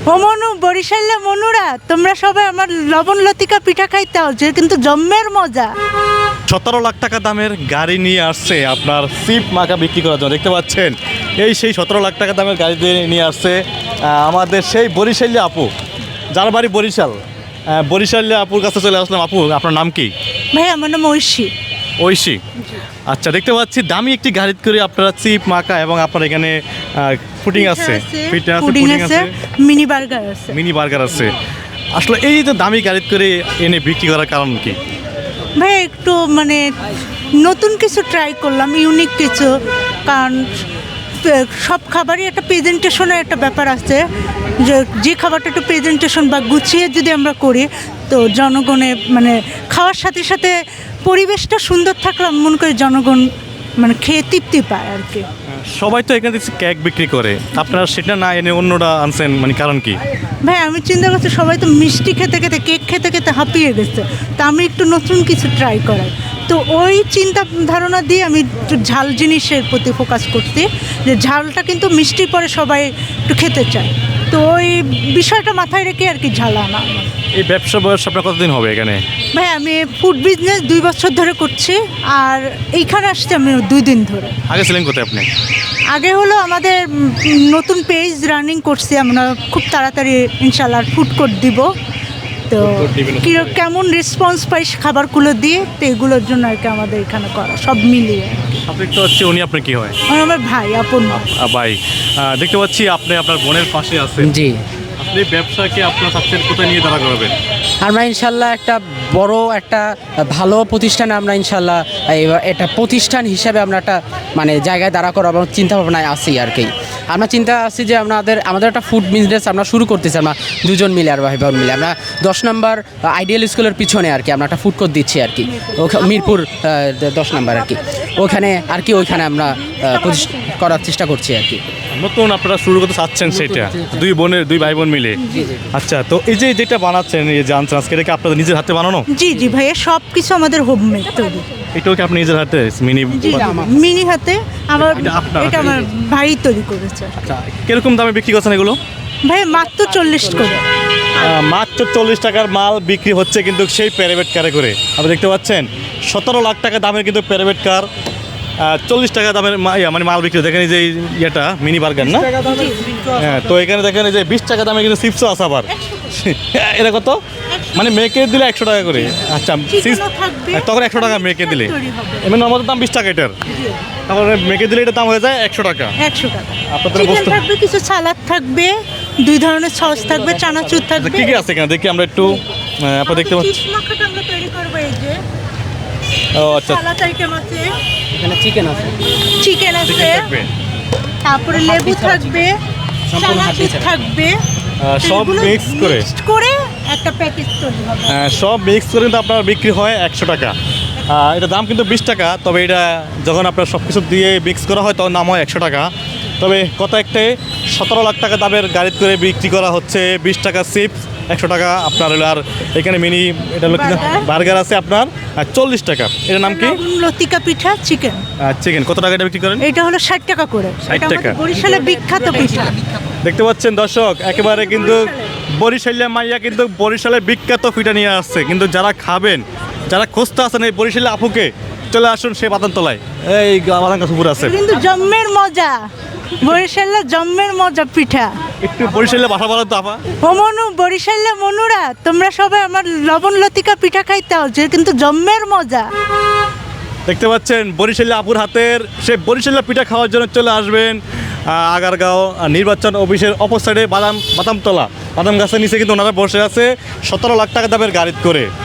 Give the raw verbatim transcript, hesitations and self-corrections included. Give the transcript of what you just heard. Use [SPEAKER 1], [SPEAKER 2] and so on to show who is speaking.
[SPEAKER 1] ও মনু বরিশালে মনুরা তোমরা সবাই আমার লবণ লতিকা পিঠা খাইতাও যে কিন্তু জম্মের মজা।
[SPEAKER 2] সতেরো লাখ টাকা দামের গাড়ি নিয়ে আসছে আপনার সিপ মাখা বিক্রি করার জন্য। দেখতে পাচ্ছেন এই সেই সতেরো লাখ টাকা দামের গাড়ি দিয়ে নিয়ে আসছে আহ, আমাদের সেই বরিশালী আপু, যার বাড়ি বরিশাল। আহ, বরিশালী আপুর কাছে চলে আসলাম। আপু, আপনার নাম কি?
[SPEAKER 1] ভাই আমার নাম ঐশী।
[SPEAKER 2] ঐশী। আচ্ছা, দেখতে পাচ্ছি দামি একটি গাড়িতে করে আপনারা চিপ মাখা এবং আপনার এখানে ফুডিং আছে, পিঠা আছে,
[SPEAKER 1] পুডিং
[SPEAKER 2] পুডিং
[SPEAKER 1] আছে,
[SPEAKER 2] আছে,
[SPEAKER 1] মিনি বার্গার আছে।
[SPEAKER 2] মিনি বার্গার আছে। আসলে এই যে দামি গাড়িতে করে এনে বিক্রি করার কারণ কি?
[SPEAKER 1] ভাই একটু মানে নতুন কিছু ট্রাই করলাম, ইউনিক কিছু। কারণ পে- সব খাবারই একটা প্রেজেন্টেশনের একটা ব্যাপার আছে, যে যে খাবারটা একটু প্রেজেন্টেশন বা গুছিয়ে যদি আমরা করি তো জনগণে মানে খাওয়ার সাথে সাথে পরিবেশটা সুন্দর থাকলে আমি মনে করি জনগণ মানে খেয়ে তৃপ্তি পায় আর কি।
[SPEAKER 2] সবাই তো এখানে দেখছি কেক বিক্রি করে, আপনারা সেটা না এনে অন্যটা আনছেন, মানে কারণ কি?
[SPEAKER 1] ভাই আমি চিন্তা করছি সবাই তো মিষ্টি খেতে খেতে কেক খেতে খেতে হাঁপিয়ে গেছে, তা আমি একটু নতুন কিছু ট্রাই করাই। তো ওই চিন্তা ধারণা দিয়ে আমি একটু ঝাল জিনিসের প্রতি ফোকাস করছি, যে ঝালটা কিন্তু মিষ্টির পরে সবাই একটু খেতে চায়। তো ওই বিষয়টা মাথায় রেখে আর কি ঝাল আনা আমার।
[SPEAKER 2] এই ব্যবসা বয়স আপনার কতদিন হবে এখানে?
[SPEAKER 1] ভাই আমি ফুড বিজনেস দুই বছর ধরে করছি, আর এইখানে আসছি আমি দুই দিন ধরে।
[SPEAKER 2] আগে ছিলেন কোথায় আপনি?
[SPEAKER 1] আগে হলো আমাদের উম, নতুন পেজ রানিং করছি আমরা, খুব তাড়াতাড়ি ইনশাল্লাহ ফুড কোর্ট দিব। তো
[SPEAKER 2] court দিবেন।
[SPEAKER 1] কি কেমন রেসপন্স পাই খাবারগুলো দিয়ে, তো এগুলোর জন্য আর কি আমাদের এখানে করা সব মিলিয়ে।
[SPEAKER 2] আপনি তো হচ্ছে, উনি আপনার কি হয়?
[SPEAKER 1] আর আমার ভাই আপন ভাই।
[SPEAKER 2] আহ, ভাই, আহ, দেখতে পাচ্ছি আপনি আপনার বোনের পাশে আছেন।
[SPEAKER 3] জি,
[SPEAKER 2] আপনি ব্যবসাকে আপনার চাচ্ছেন কোথায় নিয়ে দাঁড়া করবেন?
[SPEAKER 3] আমরা ইনশাল্লাহ একটা বড় একটা ভালো প্রতিষ্ঠানে আমরা ইনশাল্লাহ এই- এটা প্রতিষ্ঠান হিসাবে আমরা একটা মানে জায়গায় দাঁড়া করার চিন্তা ভাবনায় আছি আর কি। আমরা চিন্তা আছি যে আমাদের আমাদের একটা ফুড বিজনেস আমরা শুরু করতেছি, আমরা দুজন মিলে আর ভাই বোন মিলে আমরা দশ নম্বর আইডিয়াল স্কুলের পিছনে আর কি আমরা একটা ফুড কোর্ট দিচ্ছি আর কি, ওখা- মিরপুর আহ, দশ নম্বর আর কি, ওখানে আর কি ওইখানে আমরা আহ, প্রতিষ্ঠা করার চেষ্টা করছি আর কি।
[SPEAKER 2] নতুন আপনারা শুরু করতে চাচ্ছেন সেটা, দুই বোনের দুই ভাই বোন মিলে। আচ্ছা, তো এই যে যেটা বানাচ্ছেন, এই যে আনছেন আজকে, এটা কি আপনাদের নিজের হাতে বানানো?
[SPEAKER 1] জি জি ভাইয়া, সব কিছু আমাদের হোমমেড তৈরি।
[SPEAKER 2] এটাও কি আপনি নিজের হাতে মিনি?
[SPEAKER 1] জি মিনি হাতে আমার,
[SPEAKER 2] এটা আপনার
[SPEAKER 1] এটা আমার ভাই তৈরি করেছে।
[SPEAKER 2] আচ্ছা, কিরকম দামে বিক্রি করছেন এগুলো?
[SPEAKER 1] ভাই মাত্র চল্লিশ করে।
[SPEAKER 2] আহ, মাত্র চল্লিশ টাকার মাল বিক্রি হচ্ছে কিন্তু সেই প্যারাবেট কারে করে। আপনি দেখতে পাচ্ছেন সতেরো লাখ টাকা দামের কিন্তু প্যারাবেট কার চল্লিশ টাকা দামের মা- ইয়া, মানে মাল বিক্রি। দেখেন এই যে এই ইয়েটা মিনি বার্গার না? হ্যাঁ, তো এখানে দেখেন এই যে বিশ টাকা দামে কিন্তু চিপসও আছে আবার। এটা কত? মানে মেয়েকে দিলে একশো টাকা করে। আচ্ছা, চিপস
[SPEAKER 1] থাকবে,
[SPEAKER 2] তখন একশো টাকা মেয়েকে দিলে,
[SPEAKER 1] তৈরি হবে।
[SPEAKER 2] এমনি আমাদের দাম বিশ টাকা এটার, তারপরে মেয়েকে দিলে এটার দাম হয়ে যায় একশো টাকা।
[SPEAKER 1] একশো টাকা।
[SPEAKER 2] আপনাদের
[SPEAKER 1] চিকেন
[SPEAKER 2] বস্তু
[SPEAKER 1] থাকবে, কিছু সালাদ থাকবে, দুই ধরনের সস থাকবে, চানাচুর
[SPEAKER 2] আচ্ছা,
[SPEAKER 1] থাকবে।
[SPEAKER 2] কি কি আছে এখানে দেখি আমরা একটু। আহ, আপনারা দেখতে পাচ্ছি।
[SPEAKER 1] চিজ মাখাটা আমরা তৈরি করবো, এই যে
[SPEAKER 2] ও আচ্ছা,
[SPEAKER 1] সালাদ আইটেম আছে,
[SPEAKER 3] এখানে চিকেন আছে,
[SPEAKER 1] চিকেন আছে,
[SPEAKER 2] চিকেন থাকবে।
[SPEAKER 1] তারপরে লেবু থাকবে,
[SPEAKER 3] সম্পূর্ণ হাড্ডি
[SPEAKER 1] চানাচুর
[SPEAKER 3] ছাড়া।
[SPEAKER 1] থাকবে।
[SPEAKER 2] আহ, সব
[SPEAKER 1] এগুলো
[SPEAKER 2] মিক্স করে
[SPEAKER 1] mixed করে একটা প্যাকেজ তৈরি হবে।
[SPEAKER 2] আহ, সব মিক্স করে কিন্তু আপনার বিক্রি হয় একশো টাকা। আহ, এটার দাম কিন্তু বিশ টাকা, তবে এটা যখন আপনার সব কিছু দিয়ে মিক্স করা হয় তখন দাম হয় একশো টাকা। তবে কত একটাই সতেরো লাখ টাকা দামের গাড়ি করে বিক্রি করা হচ্ছে বিশ টাকা চিপস, একশো টাকা আপনার হলো। আর এখানে মিনি এটা হলো
[SPEAKER 1] Burger।
[SPEAKER 2] বার্গার আছে আপনার চল্লিশ টাকা। এটার নাম কি?
[SPEAKER 1] লবণ লতিকা পিঠা চিকেন,
[SPEAKER 2] চিকেন। কত টাকা এটা বিক্রি করেন?
[SPEAKER 1] এটা হলো ষাট টাকা করে।
[SPEAKER 2] ষাট
[SPEAKER 1] এটা আমাদের
[SPEAKER 2] টাকা।
[SPEAKER 1] বরিশালের বিখ্যাত পিঠা।
[SPEAKER 2] দেখতে পাচ্ছেন দর্শক, একেবারে কিন্তু বরিশালের মাইয়া কিন্তু বরিশালের বিখ্যাত পিঠা নিয়ে আসছে। কিন্তু যারা খাবেন, যারা খুঁজতে আছেন এই বরিশালের আপুকে, চলে আসুন সেই বাতানতলায়, এই বাদান গাছ উপরে আছে।
[SPEAKER 1] কিন্তু জম্মের মজা, বরিশালের জম্মের মজা পিঠা।
[SPEAKER 2] একটু বরিশালের ভাষা বলো তো আপা।
[SPEAKER 1] ও মনু বরিশালে মনুরা তোমরা সবাই আমার লবণ লতিকা পিঠা খাইতাও যে কিন্তু জম্মের মজা।
[SPEAKER 2] দেখতে পাচ্ছেন বরিশালের আপুর হাতের সেই বরিশালের পিঠা খাওয়ার জন্য চলে আসবেন আহ, আগারগাঁও আহ, নির্বাচন অফিসের অপর সাইডে বাদাম বাদামতলা, বাদাম গাছের নিচে কিন্তু ওনারা বসে আছে সতেরো লাখ টাকা দামের গাড়ি করে।